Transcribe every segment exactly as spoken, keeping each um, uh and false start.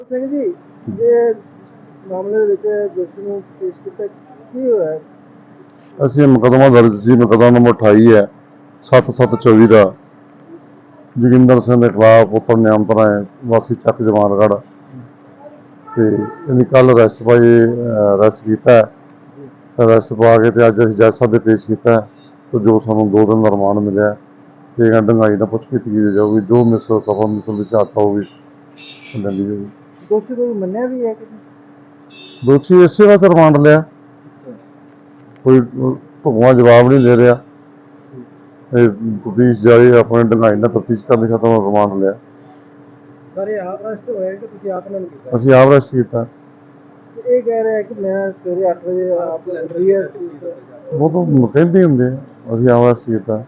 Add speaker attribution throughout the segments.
Speaker 1: ਸਿੰਘ ਜੀ ਇਹ ਮਾਮਲੇ ਦੇ ਵਿੱਚ ਦੋਸ਼ੀ ਨੂੰ ਪੇਸ਼ ਕੀਤਾ ਕੀ ਹੋਇਆ?
Speaker 2: ਅਸੀਂ ਮੁਕੱਦਮਾ ਦਰਜ ਸੀ, ਮੁਕੱਦਮਾ ਨੰਬਰ ਅਠਾਈ ਹੈ ਸੱਤ ਸੱਤ ਚੌਵੀ ਦਾ ਜੋਗਿੰਦਰ ਸਿੰਘ ਦੇ ਖਿਲਾਫ ਪੁੱਤਰ ਨਿਯੰਤਰਣ ਹੈ ਵਾਸੀ ਚੱਕ ਜਮਾਨਗੜ੍ਹ ਤੇ ਇਹਨੇ ਕੱਲ ਅਰੈਸਟ ਪਾਈ ਅਰੈਸਟ ਕੀਤਾ ਅਰੈਸਟ ਪਾ ਕੇ ਤੇ ਅੱਜ ਅਸੀਂ ਜੱਜ ਸਾਹਿਬ ਦੇ ਪੇਸ਼ ਕੀਤਾ ਤੇ ਜੋ ਸਾਨੂੰ ਦੋ ਦਿਨ ਦਾ ਰਿਮਾਂਡ ਮਿਲਿਆ ਤੇ ਡੰਗਾਈ ਨਾਲ ਪੁੱਛ ਕੀਤੀ ਜਾਊਗੀ ਜੋ ਮਿਸਲ ਸਫਾ ਮਿਸਲ ਦੀ ਸ਼ਹਾਦਤ ਹੋਊਗੀ ਲੈਂਦੀ ਜਾਊਗੀ।
Speaker 1: ਦੋਸ਼ੀ ਕੋਈ ਮੰਨਿਆ ਵੀ ਹੈ ਕਿ
Speaker 2: ਦੋਸ਼ੀ ਇਸੇ ਵਾਸਤੇ ਰਿਮਾਂਡ ਲਿਆ, ਕੋਈ ਭਗਵਾਨ ਜਵਾਬ ਨਹੀਂ ਦੇ ਰਿਹਾ। ਇਹ ਤਫਤੀਸ਼ ਜਾਰੀ ਆਪਣੇ ਡੰਗਾਈ ਨਾਲ ਤਫਤੀਸ਼ ਕਰਨ ਦੀ ਖਤਮ ਰਿਮਾਂਡ ਲਿਆ।
Speaker 1: ਸਾਰੇ ਆਪ ਅਰੈਸਟ ਹੋਏ ਕਿ ਤੁਸੀਂ ਆਪ ਨਾਲ ਕੀਤਾ?
Speaker 2: ਅਸੀਂ ਆਪ ਅਰੈਸਟ ਕੀਤਾ।
Speaker 1: ਇਹ ਕਹਿ ਰਿਹਾ ਕਿ ਮੈਂ ਸਵੇਰੇ ਅੱਠ ਵਜੇ ਆਪ ਰੀਅਰ
Speaker 2: ਉਹ ਤਾਂ ਕਹਿੰਦੇ ਹੁੰਦੇ ਆ, ਅਸੀਂ ਆਪ ਅਰੈਸਟ ਕੀਤਾ।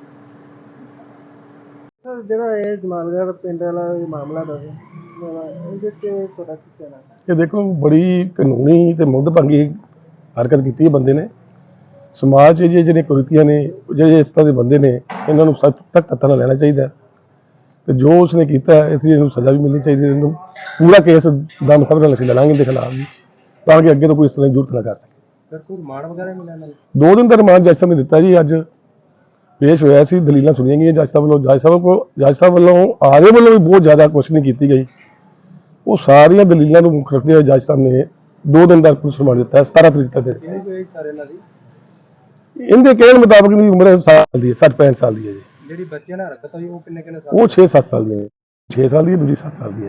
Speaker 1: ਜਿਹੜਾ ਇਹ ਜਮਾਨਗੜ੍ਹ ਪਿੰਡ ਵਾਲਾ ਇਹ ਮਾਮਲਾ ਦੱਸ ਇਹਦੇ ਤੇ ਤੁਹਾਡਾ ਕੀ ਕਹਿਣਾ?
Speaker 3: ਇਹ ਦੇਖੋ ਬੜੀ ਕਾਨੂੰਨੀ ਤੇ ਮੁੱਦਭੰਗੀ ਹਰਕਤ ਕੀਤੀ ਹੈ ਬੰਦੇ ਨੇ। ਸਮਾਜ 'ਚ ਜਿਹੜੇ ਕੁਰੀਤੀਆਂ ਨੇ, ਜਿਹੜੇ ਇਸ ਤਰ੍ਹਾਂ ਦੇ ਬੰਦੇ ਨੇ, ਇਹਨਾਂ ਨੂੰ ਸਖਤ ਸਖਤ ਹੱਥਾਂ ਨਾਲ ਲੈਣਾ ਚਾਹੀਦਾ ਤੇ ਜੋ ਉਸਨੇ ਕੀਤਾ ਇਸ ਲਈ ਇਹਨੂੰ ਸਜ਼ਾ ਵੀ ਮਿਲਣੀ ਚਾਹੀਦੀ। ਇਹਨੂੰ ਪੂਰਾ ਕੇਸ ਦਮ ਖਬਰ ਨਾਲ ਅਸੀਂ ਲੜਾਂਗੇ ਇਹਦੇ ਖਿਲਾਫ ਵੀ, ਤਾਂ ਕਿ ਅੱਗੇ ਤੋਂ ਕੋਈ ਇਸ ਤਰ੍ਹਾਂ ਦੀ ਜ਼ਰੂਰਤ ਨਾ ਕਰ ਸਕੇ।
Speaker 1: ਸਰ ਕੋਈ ਰਿਮਾਂਡ ਵਗੈਰਾ ਮਿਲਿਆ ਨਾਲ?
Speaker 3: ਦੋ ਦਿਨ ਦਾ ਰਿਮਾਂਡ ਜੱਜ ਸਾਹਿਬ ਨੇ ਦਿੱਤਾ ਜੀ। ਅੱਜ ਪੇਸ਼ ਹੋਇਆ ਸੀ, ਦਲੀਲਾਂ ਸੁਣੀਆਂ ਗਈਆਂ ਜੱਜ ਸਾਹਿਬ ਵੱਲੋਂ। ਜੱਜ ਸਾਹਿਬ ਕੋਲ ਜੱਜ ਸਾਹਿਬ ਵੱਲੋਂ ਆਗੇ ਵੱਲੋਂ ਵੀ ਬਹੁਤ ਜ਼ਿਆਦਾ ਕੁਐਸਚਨਿੰਗ ਕੀਤੀ ਗਈ। ਉਹ ਸਾਰੀਆਂ ਦਲੀਲਾਂ ਨੂੰ ਮੁੱਖ ਰੱਖਦੇ ਹੋਏ ਜੱਜ ਸਾਹਿਬ ਨੇ ਦੋ ਦਿਨ ਦਾ ਪੁਲਿਸ ਰਿਮਾਂਡ ਦਿੱਤਾ, ਸਤਾਰਾਂ ਤਰੀਕ ਤੱਕ ਦੇ। ਇਹਦੇ ਕਹਿਣ ਮੁਤਾਬਕ ਦੀ ਉਮਰ ਸਾਲ ਦੀ ਹੈ, ਸੱਠ ਪੈਂਹਠ ਸਾਲ ਦੀ ਹੈ ਜੀ।
Speaker 1: ਜਿਹੜੀ ਬੱਚਿਆਂ ਨਾਲ ਹਰਕਤ ਹੋਈ ਉਹ ਕਿੰਨੇ ਕਿੰਨੇ ਸਾਲ?
Speaker 3: ਉਹ ਛੇ ਸੱਤ ਸਾਲ ਦੀ ਹੈ, ਛੇ ਸਾਲ ਦੀ ਹੈ, ਦੂਜੀ ਸੱਤ ਸਾਲ ਦੀ ਹੈ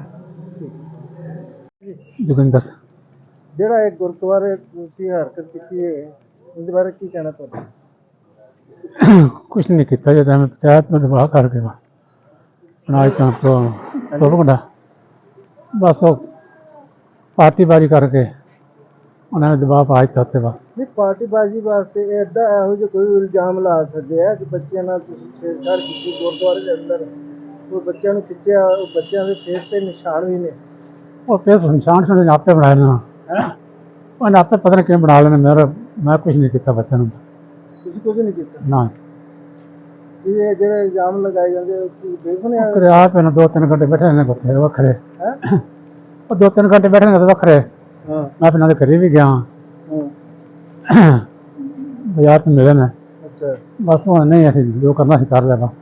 Speaker 3: ਜੀ। ਜੋਗਿੰਦਰ
Speaker 1: ਜਿਹੜਾ ਇਹ ਗੁਰਦੁਆਰੇ ਤੁਸੀਂ ਹਰਕਤ ਕੀਤੀ ਹੈ ਉਹਦੇ ਬਾਰੇ ਕੀ ਕਹਿਣਾ ਤੁਹਾਡਾ?
Speaker 3: ਕੁਛ ਨਹੀਂ ਕੀਤਾ ਜੀ, ਮੈਂ ਪੰਚਾਇਤ ਨੂੰ ਦਬਾਅ ਕਰਕੇ ਬਸ ਬਣਾਈ ਤਾਂ ਪ੍ਰੋਪਗੈਂਡਾ ਬਸ ਉਹ ਪਾਰਟੀਬਾਜ਼ੀ ਕਰਕੇ ਉਹਨਾਂ ਨੇ ਦਬਾਅ ਪਾ ਦਿੱਤਾ ਉੱਥੇ ਬਸ।
Speaker 1: ਨਹੀਂ ਪਾਰਟੀਬਾਜ਼ੀ ਵਾਸਤੇ ਐਡਾ ਇਹੋ ਜਿਹਾ ਕੋਈ ਇਲਜ਼ਾਮ ਲਾ ਸਕਦੇ ਆ ਕਿ ਬੱਚਿਆਂ ਨਾਲ ਤੁਸੀਂ ਛੇੜਛਾੜ ਕੀਤੀ ਗੁਰਦੁਆਰੇ ਦੇ ਅੰਦਰ, ਉਹ ਬੱਚਿਆਂ ਨੂੰ ਖਿੱਚਿਆ, ਉਹ ਬੱਚਿਆਂ ਦੇ ਫੇਸ ਤੇ ਨਿਸ਼ਾਨ ਵੀ ਨੇ।
Speaker 3: ਉਹ ਫਿਰ ਨਿਸ਼ਾਨ ਸੁਣੇ ਆਪੇ ਬਣਾਏ ਨਾ, ਉਹਨੇ ਆਪੇ ਪਤਾ ਨਹੀਂ ਕਿਵੇਂ ਬਣਾ ਲੈਣੇ। ਮੇਰਾ ਮੈਂ ਕੁਛ ਨਹੀਂ ਕੀਤਾ ਬੱਚਿਆਂ ਨੂੰ।
Speaker 1: ਤੁਸੀਂ ਕੁਝ ਨਹੀਂ ਕੀਤਾ?
Speaker 3: ਨਾ
Speaker 1: ਇਹ ਜਿਹੜੇ ਇਲਜ਼ਾਮ ਲਗਾਏ ਜਾਂਦੇ ਉਹ ਬੇਬੁਨਿਆਦ?
Speaker 3: ਕਰੇ ਆਪ ਇਹਨਾਂ ਦੋ ਤਿੰਨ ਘੰਟੇ ਬੈਠੇ ਨੇ ਬੱਚੇ ਵੱਖਰੇ,
Speaker 1: ਹੈ
Speaker 3: ਉਹ ਦੋ ਤਿੰਨ ਘੰਟੇ ਬੈਠੇ ਨੇ ਵੱਖਰੇ।
Speaker 1: ਹਾਂ
Speaker 3: ਮੈਂ ਇਹਨਾਂ ਦੇ ਘਰੇ ਵੀ ਗਿਆ,
Speaker 1: ਹਾਂ
Speaker 3: ਬਾਜ਼ਾਰ 'ਚ ਮਿਲੇ ਨੇ।
Speaker 1: ਅੱਛਾ
Speaker 3: ਬਸ ਹੁਣ ਨਹੀਂ ਅਸੀਂ ਜੋ ਕਰਨਾ ਸੀ ਕਰ ਲਿਆ ਵਾ।